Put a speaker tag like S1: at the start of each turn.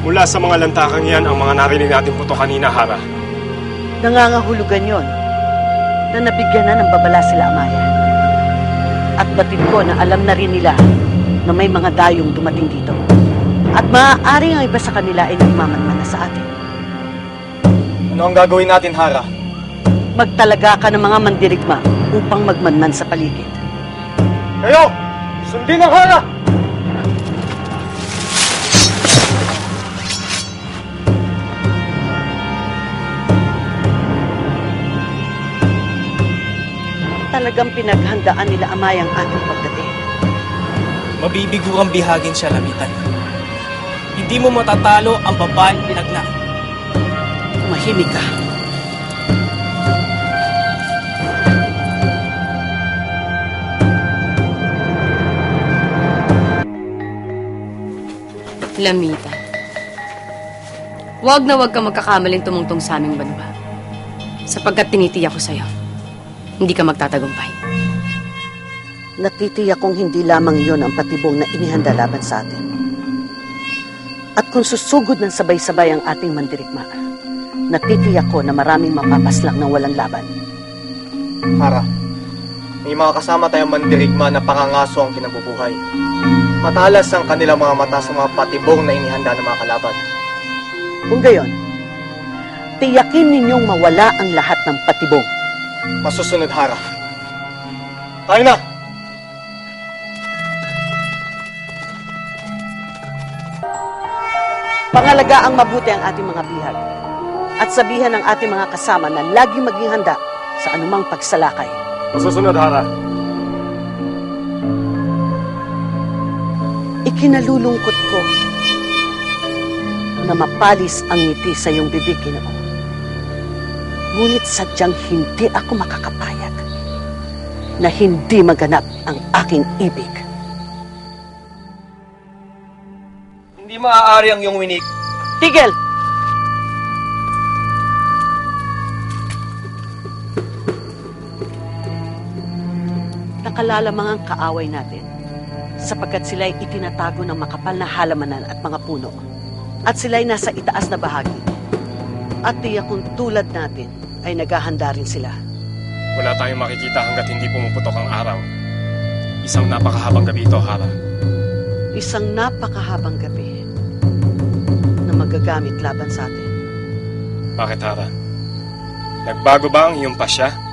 S1: Mula sa mga lantakang yan ang mga narinig natin puto kanina, Hara.
S2: Nangangahulugan yon na nabigyan na ng babala sila Amaya. At batid ko na alam na rin nila na may mga dayong dumating dito. At maaari ang iba sa kanila ay nagmamanman na sa atin.
S3: Ano ang gagawin natin, Hara?
S2: Magtalaga ka ng mga mandirigma upang magmanman sa paligid.
S3: Kayo! Sundin ang Hara!
S2: Talagang pinaghandaan nila Amaya ang ating pagdating.
S4: Mabibigurang bihagin siya, Lamitan. Hindi mo matatalo ang babaeng pinagna.
S2: Tumahimik ka.
S5: Lamita. Huwag na huwag kang magkakamaling tumungtong sa aming banwa. Sapagkat tinitiyak ko sa'yo, hindi ka magtatagumpay.
S2: Natitiyak kong hindi lamang iyon ang patibong na inihanda laban sa atin. At kung susugod ng sabay-sabay ang ating mandirigma, natitiyak ko na maraming mapapaslang ng walang laban.
S3: Hara, may mga kasama tayong mandirigma na pangangaso ang kinabubuhay. Matalas ang kanilang mga mata sa mga patibong na inihanda ng mga kalaban.
S2: Kung gayon, tiyakin ninyong mawala ang lahat ng patibong.
S3: Masusunod, Hara. Tayo na!
S2: Pangalagaan mabuti ang ating mga bihag at sabihan ng ating mga kasama na lagi maging handa sa anumang pagsalakay.
S1: Masusunod, Hara.
S2: Ikinalulungkot ko na mapalis ang ngiti sa iyong bibig, Ginoo. Ngunit sadyang hindi ako makakapayag na hindi maganap ang aking ibig.
S3: Hindi maaari ang iyong winig.
S2: Tigil! Nakalalamang ang kaaway natin sapagkat sila'y itinatago ng makapal na halamanan at mga puno at sila'y nasa itaas na bahagi. At tiyak kung tulad natin ay naghahanda rin sila.
S1: Wala tayong makikita hanggat hindi pumuputok ang araw. Isang napakahabang gabi ito, Hara.
S2: Isang napakahabang gabi na magagamit laban sa atin.
S1: Bakit, Hara? Nagbago ba ang iyong pasya?